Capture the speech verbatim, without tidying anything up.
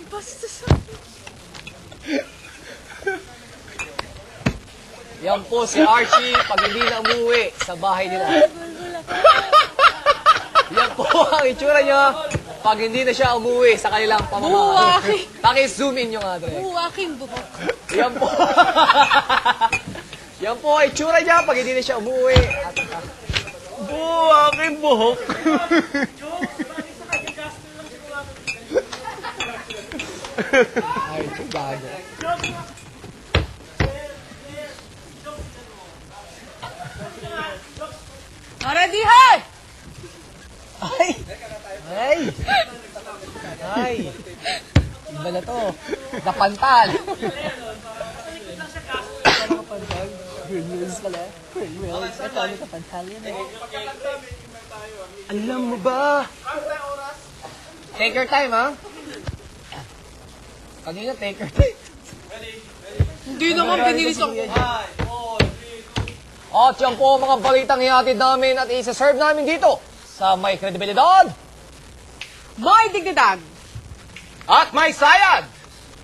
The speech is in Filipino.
Basta sa... Yan po si Archie pag hindi na umuwi sa bahay nila. Yan po ang itsura niya pag hindi na siya umuwi sa kanilang pamamahay. Buwaki. Paki-zoom in yung nga, Dre. Buwaking buhok. Yan po. Yan po ang itsura niya pag hindi na siya umuwi. At, uh, Buwaking buhok. ay, ito gago. Ready, hey! Ay! Ay! Ay! Iba na to. Napantal. Napantal? Green wheels pala. Green wheels. Ito, ano napantal yan eh. Alam mo ba? Take your time, ha? Kanina, take your time. Hindi naman pinilis ako. At yan po mga balitang ihatid namin at isa-serve namin dito sa may kredibilidad May dignidad. at may sayad.